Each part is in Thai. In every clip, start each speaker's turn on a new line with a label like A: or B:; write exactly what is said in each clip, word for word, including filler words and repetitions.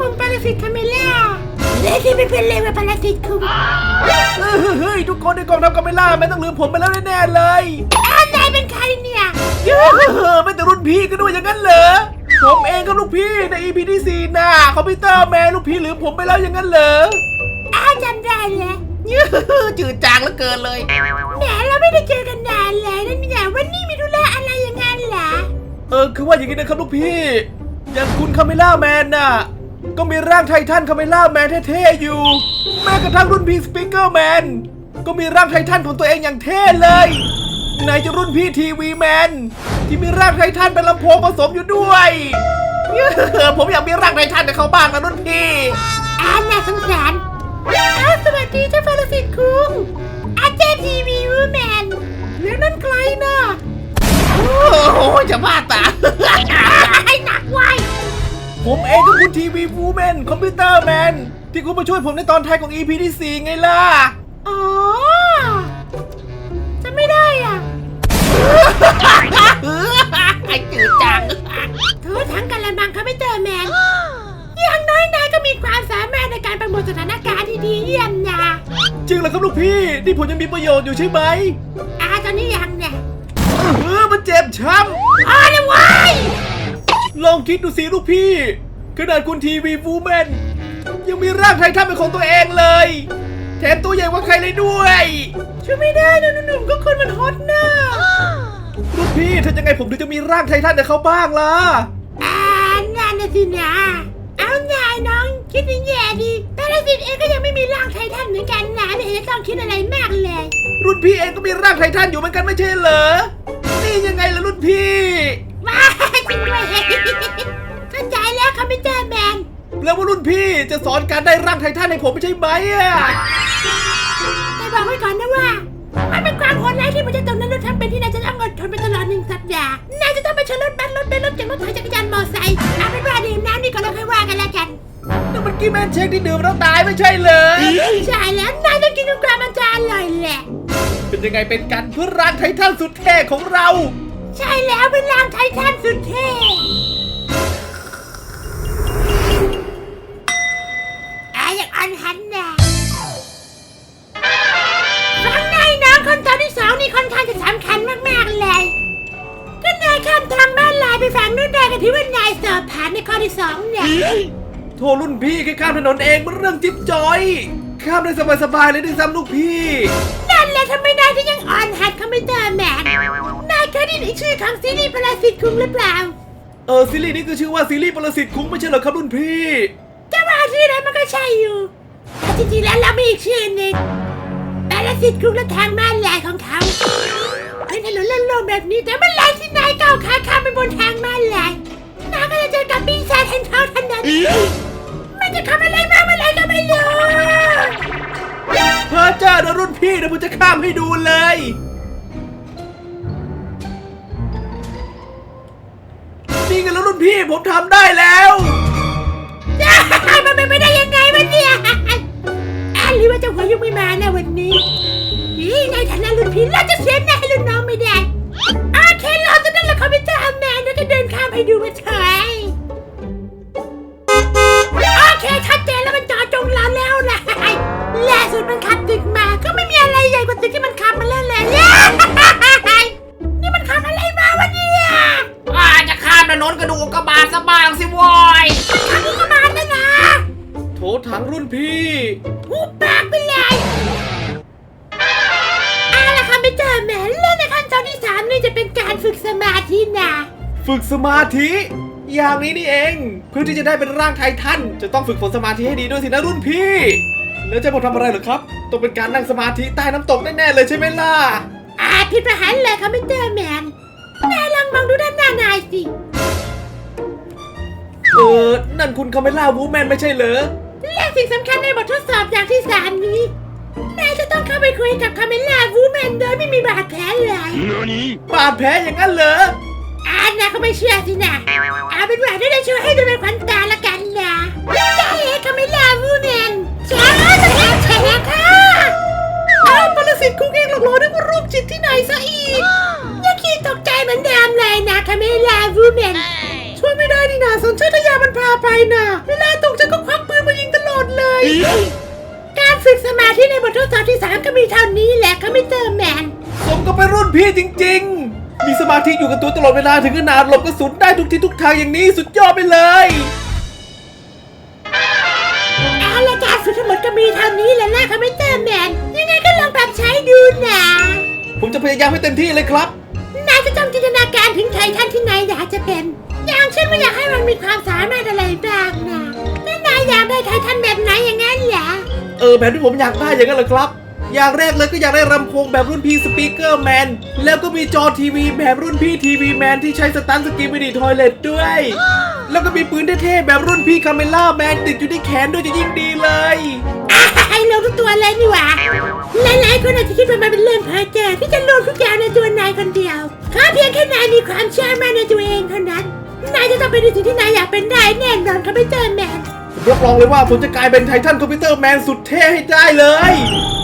A: ผมปรสิตคาเมล่าเล่ที่ไม่เป็นเลยว่าปรสิตคุง
B: เฮ้ยทุกคนในกองทัพคาเมล่าไม่ต้องลืมผมไปแล้วแน่ๆเลย
A: อ้าวนายเป็นใครเนี่ย
B: เฮ้ยไม่แต่รุ่นพี่ก็ด้วยอย่างนั้นเหรอผมเองก็ลูกพี่ใน อี พี ที่สี่น่ะคอมพิวเตอร์แมนลูกพี่ลืมผมไปแล้วอย่างนั้นเหรอ
A: อ้าวจำได้แล้ว
B: จืดจางเหลือเกินเลย
A: แหมเราไม่ได้เจอกันนานเลยนั่นเนี่ยวันนี้มีธุระอะไรอย่างงั้นเหรอ
B: เออคือว่าอย่างนี้นะครับลูกพี่อย่างคุณคาเมล่าแมนน่ะก็มีร่างไททันคาเมล่าแมนเท่ๆอยู่แม้กระทั่งรุ่นพี่สปีกเกอร์แมนก็มีร่างไททันของตัวเองอย่างเท่เลยไหนจะรุ่นพี่ทีวีแมนที่มีร่างไททันเป็นลำโพงผสมอยู่ด้วยผมอยากมีร่างไททันกับเขาบ้างนะรุ่นพี่
A: อ่าน่าสงสารอ้าวสวัสดีเจ้าปรสิตคุงอาจารย์ทีวีวูแมนแล้วนั่นใครน่ะ
B: โอ้โหจะบ้าตา
A: ให้หนักไว้
B: ผมเองก็คุณทีวีวูแมนคอมพิวเตอร์แมนที่คุณมาช่วยผมในตอนท้ายของ อี พี ที่สี่ไงล่ะ
A: อ๋อจะไม่ได้อ่ะ
B: ไอ้จืดจัง
A: เธอทั้งกันละมังคอมพิวเตอร์แมนอย่างน้อยนายก็มีความสามารถในการประมวลสถานการณ์ที่ดีเยี่ยมนะ
B: จริงเหรอครับลูกพี่ที่ผมยังมีประโยชน์อยู่ใช่ไหม
A: อ่าตอนนี้ยังเนี่ย
B: เออมันเจ็บช้
A: ำอ๋อเลยวาย
B: ลองคิดดูสิลูกพี่ขนาดคุณทีวีวูแมนยังมีร่างไททันเป็นของตัวเองเลยแถมตัวใหญ่กว่าใครเลยด้วย
A: ช่วยไม่ได้นะหนุ่มๆก็คนมันฮอตนะ
B: ลูกพี่ถ้ายังไงผมถึงจะมีร่างไททันกับเขาบ้างล่ะ
A: อ่านั่นนะสินะเอาไงน้องคิดแย่ดีแต่ละสิทธิ์เองก็ยังไม่มีร่างไททันเหมือนกันนะไม่เห็นจะต้องคิดอะไรมากเลย
B: รุ่นพี่เองก็มีร่างไททันอยู่เหมือนกันไม่ใช่เหรอนี่ยังไงล่ะรุ่นพี่
A: ว้าจริงด้วยเข้าใจแล้วคอมพิวเตอร์แมน
B: แล้วว่ารุ่นพี่จะสอนการได้ร่างไททันให้ผมไม่ใช่ไหมอ่ะ
A: แต่บอกไว้ก่อนนะว่ามันเป็นความโหดร้ายที่มันจะต้องนั้นรถทำเป็นที่นายจะต้องอดทนไปตลอดหนึ่งสัปดาห์นายจะต้องไปชนรถบัสรถเบนซ์รถเก๋งรถไถจักรยานมอเตอร์ไซค์เอาเป็นว่าดื่มน้ำนี่ก่อนแล้วค่อยว่ากันแล้วกัน
B: นั่นมันกี้แมนเชคที่ดื่มแล้วตายไม่ใช่เหรอ
A: ใช่แล้วนายต้องกินทุกกรัมมันจะอร่อยแหละ
B: เป็นยังไงเป็นกันเพื่อร่างไททันสุดเท่ของเรา
A: ใช่แล้วเป็นร่างไททันสุดเท่อาอยากอันหันนะฟังนายน้องคนตอนที่สองนี่ค่อนข้างจะสำคัญมากๆเลยก็นายข้ามทางบ้านลายไปฝั่งนู้นได้กันที่ว่านายสอบผ่านในข้อที่สองเนี่ย
B: โทรรุ่นพี่แค่ข้ามถนนเองมันเรื่องจิ๊บจอยข้ามได้สบายๆเลยด้วยซ้ำลูกพี่
A: นั่นแหละทำไมนายถึงยังอ่อนหัดคอมพิวเตอร์แมนนายเคยได้ยินชื่อของซีรีส์ปรสิตคุงหรือเปล่า
B: เออซีรีส์นี้คือชื่อว่าซีรีส์ปรสิตคุงไม่ใช่เหรอครับรุ่นพี่
A: จะว่าชื่อนั้นมันก็ใช่อยู่แต่จริงๆแล้วเรามีอีกชื่อหนึ่งปรสิตคุงและทางม้าลายของเขาเป็นถนนโล่งๆแบบนี้แต่เมื่อไรที่นายก้าวขาข้ามไปบนทางม้าลายนายก็จะเจอกับปีศาจแห่งเท้าทันนั้นมันจะทำอะไรมาเมื่อไรก็ไม่รู้
B: เพอเจอนะรุ่นพี่เดี๋ยวผมจะข้ามให้ดูเลยนี่ไงแล้วรุ่นพี่ผมทำได้แล้ว
A: มันเป็นไปได้ยังไงวะเนี่ยอ่ะหรือว่าเจ้าหัวยุกไม่มานะวันนี้นี่ในฐานะรุ่นพี่เราจะเสียหน้าให้รุ่นน้องไม่ได้โอเคเราจะนั่นแหละคอมพิวเตอร์แมนเราจะเดินข้ามให้ดูมาเถอะโอเคชัดเจนแล้วมันจอดจงเราแล้วนะล่าสุดมันขับตึกมาก็ไม่มีอะไรใหญ่กว่าตึกที่มันขับมาแล้วแหละนี่มันขับอะไรมาวะเนี่ย
B: อาจะข้ามถนนกระดูกกระบาดซะบ้างสิวอย
A: ขับกระบาดนะนะ
B: โถถังรุ่นพี่
A: หูปากไปเลยเอาละคอมพิวเตอร์แมนเล่นในขั้นตอนที่สามนี่จะเป็นการฝึกสมาธินะ
B: ฝึกสมาธิอย่างนี้นี่เองเพื่อที่จะได้เป็นร่างไททันจะต้องฝึกฝนสมาธิให้ดีด้วยสินะรุ่นพี่แล้วจะมาทำอะไรเหรอครับต้องเป็นการนั่งสมาธิใต้น้ำตกแน่ๆเลยใช่ไหมล่ะ
A: อาผิดประหารเลยคอมพิวเตอร์แมนนายลองมองดูด้านหน้านายสิ
B: เออนั่นคุณคาเมล่าวูแมนไม่ใช่เหรอ
A: และสิ่งสำคัญในบททดสอบอย่างที่สามนี้นายจะต้องเข้าไปคุยกับคาเมล่าวูแมนโดยไม่มีบาดแผลเลย
B: บาดแผลอย่างนั้นเหรอ
A: อ่านนะเขาไม่เชื่อสินะเอาเป็นว่าได้ช่วยให้ดูเป็นขวัญตาละกันนะได้คาเมล่าวูแมนแฉจะแฉแฉค่ะเอาปรสิตคุกเองหลอกหลอนนึกว่ารูปจิตที่ไหนซะอีกยังขี้ตกใจเหมือนเดิมเลยนะคาเมล่าวูแมนช่วยไม่ได้นี่นะสัญชาตญาณมันพาไปนะเวลาตกใจก็ธิในบททดสอบที่สามก็มีเท่านี้แหละคอมพิวเตอร์แมน
B: ผมก็เป็นรุ่นพี่จริงๆ มีสมาธิอยู่กับตัวตลอดเวลาถึงขนาดหลบกระสุนได้ทุกที่ทุกทางอย่างนี้สุดยอดไปเลย
A: เอาละการฝึกทั้งหมดก็มีเท่านี้แหละนะคอมพิวเตอร์แมนยังไงก็ลองปรับใช้ดูนะ
B: ผมจะพยายามให้เต็มที่เลยครับ
A: นายจะต้องจินตนาการถึงไททันที่นายอยากจะเป็น อย่างเช่นว่าอยากให้มันมีความสามารถอะไรบ้างนะแล้วนายอยากได้ไททันแบบไหนอย่างนั้นเหรอ
B: เออแบบที่ผมอยากได้อย่างนั้นเหรอครับ อย่างแรกเลยก็อยากได้ลำโพงแบบรุ่นพี่สปีกเกอร์แมนแล้วก็มีจอทีวีแบบรุ่นพี่ทีวีแมนที่ใช้สตันสกีมิดีทอยเลตด้วย แล้วก็มีปืนเท่ๆแบบรุ่นพี่คาเมล่าแมนติดอยู่ที่แขนด้วยจะยิ่งดีเลย
A: อ่ะให้ลงทุกตัวเลยนี่หว่าหลายๆคนอาจจะคิดว่ามันเป็นเรื่องเพ้อเจ้อที่จะลงทุกอย่างในตัวนายคนเดียวขอเพียงแค่นายมีความเชื่อมั่นในตัวเองเท่านั้นนายจะต้องเป็นในสิ่งที่นายอยากเป็นได้แน่นอนคอมพิวเตอร์แมน
B: ผมรับรองเลยว่าผมจะกลายเป็นไททันคอมพิวเตอร์แมนสุดเท่ให้ได้เลย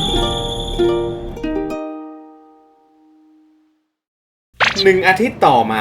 B: หนึ่งอาทิตย์ต่อมา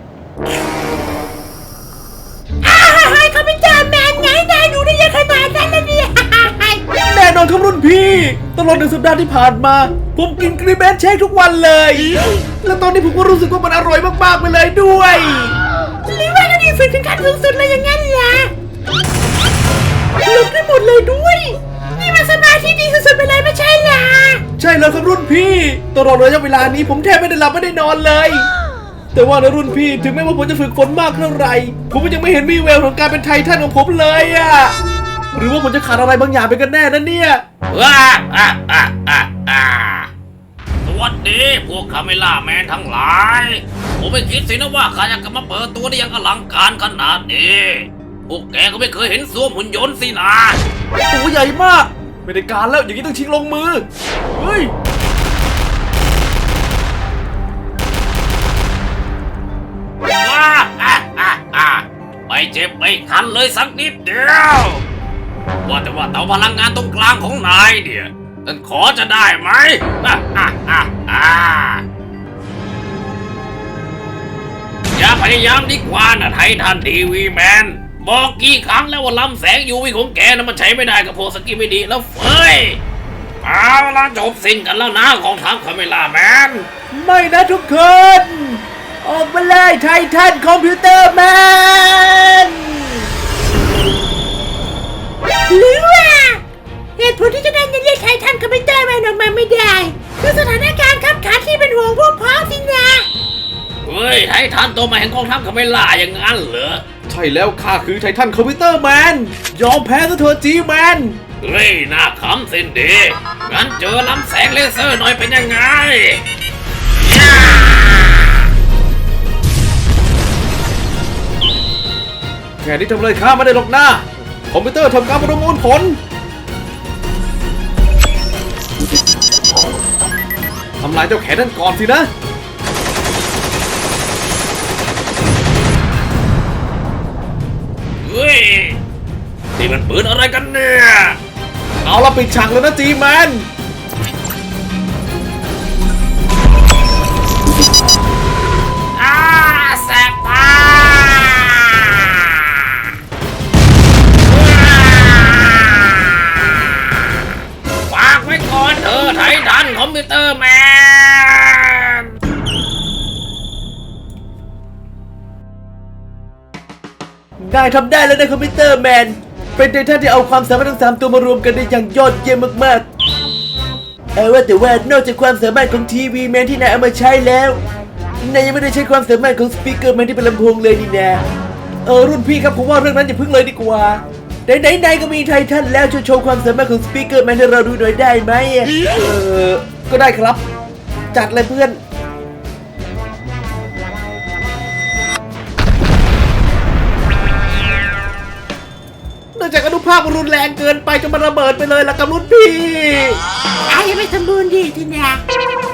A: อ้าวเฮ้ยคอมพิวเตอร์แมนไงนายดูได้ยังขนาดนั้นเลยเนี่ย
B: แน่นอนครับรุ่นพี่ตลอดหนึ่งสัปดาห์ที่ผ่านมา ผมกินกรีเบนเชคทุกวันเลย แล้วตอนนี้ผมก็รู้สึกว่ามันอร่อยมากๆไปเลยด้วย
A: หรือว่าก็ดีฝึกถึงขั้นสูงสุดเลยอย่างนั้นเหรอหลบได้หมดเลยด้วยนี่มันสมาธิดีสุดๆไปเลยไม่ใช่เหรอ
B: ใช่แล้วครับรุ่นพี่ตลอดระยะเวลานี้ผมแทบไม่ได้หลับไม่ได้นอนเลย แต่ว่านะรุ่นพี่ถึงแม้ว่าผมจะฝึกฝนมากเท่าไหร่ผมก็ยังไม่เห็นมีแววของการเป็นไททันของผมเลยอะหรือว่าผมจะขาดอะไรบางอย่างไปกันแน่นะเนี่ย
C: ว้าอ่ะอ่ะอ่ะอ่ะสวัสดีพวกคาเมล่าแมนทั้งหลาย ผมไม่คิดสินะว่าข้าจะกลับมาเปิดตัวได้อยังอลังการขนาดนี้พวกแกก็ไม่เคยเห็นสวมหุ่นยนต์สินะ
B: ตัวใหญ่มากไม่ได้การแล้วอย่างนี้ต้องชิงลงมือเฮ้ย
C: ว้าอ่ะอ่ะอ่ะไม่เจ็บไม่คันเลยสักนิดเดียว ว่าแต่ว่าเตาพลังงานตรงกลางของนายเนี่ยท่านขอจะได้ไหมอ่ะอ่ะอ่ะอ่ะอย่าพยายามดีกว่านะไททันทีวีแมนบอกกี่ครั้งแล้วว่าลำแสงยูวีของแกนะมันใช้ไม่ได้กับพวกสกิไม่ดีแล้วเฟ้ยเอาละจบสิ้นกันแล้วนะของทัพคาเมล่าแมน
B: ไม่นะทุกคน ออกมาเลยไททันคอมพิวเตอร์แมน
A: หรือว่าเหตุผลที่จะได้จะเรียกไททันคอมพิวเตอร์แมนออกมาไม่ได้คือสถานการณ์ขับขันที่เป็นห่วงพวกพ้องสินะ
C: เฮ้ยไททันตัวใหม่แห่งกองทัพคาเมล่าอย่างนั้นเหรอ
B: ใช่แล้วข้าคือไททันคอมพิวเตอร์แมนยอมแพ้ซะเถอะจีแมน
C: เฮ้ยน่าขำสินดีงั้นเจอลำแสงเลเซอร์หน่อยเป็นยังไงย่า
B: แค่นี้ทำอะไรข้าไม่ได้หรอกนะคอมพิวเตอร์ทำการประมวลผลทำลายเจ้าแขนนั่นก่อนสินะ
C: เฮ้ยนี่มันปืนอะไรกันเนี่ย
B: เอาละปิดฉากเลยนะจีแมน
C: อ้าแสบตาฝากไว้ก่อนเธอไททันคอมพิวเตอร์แมน
B: ได้ทำได้แล้วนะคอมพิวเตอร์แมนเป็นไททันที่เอาความสามารถทั้งสามตัวมารวมกันได้อย่างยอดเยี่ยมมากๆเอาว่าแต่ว่านอกจากความสามารถของทีวีแมนที่นายเอามาใช้แล้วนายยังไม่ได้ใช้ความสามารถของสปีกเกอร์แมนที่เป็นลำโพงเลยนี่นะเออรุ่นพี่ครับผมว่าเรื่องนั้นอย่าพึ่งเลยดีกว่าไหนๆนายก็มีไททันแล้วช่วยโชว์ความสามารถของสปีกเกอร์แมนให้เราดูหน่อยได้ไหมเออก็ได้ครับจัดเลยเพื่อนเนื่องจากอนุภาคมันรุนแรงเกินไปจนมันระเบิดไปเลยล่ะกับรุ่นพี่
A: อายังไม่สมบูรณ์ดีทีนะ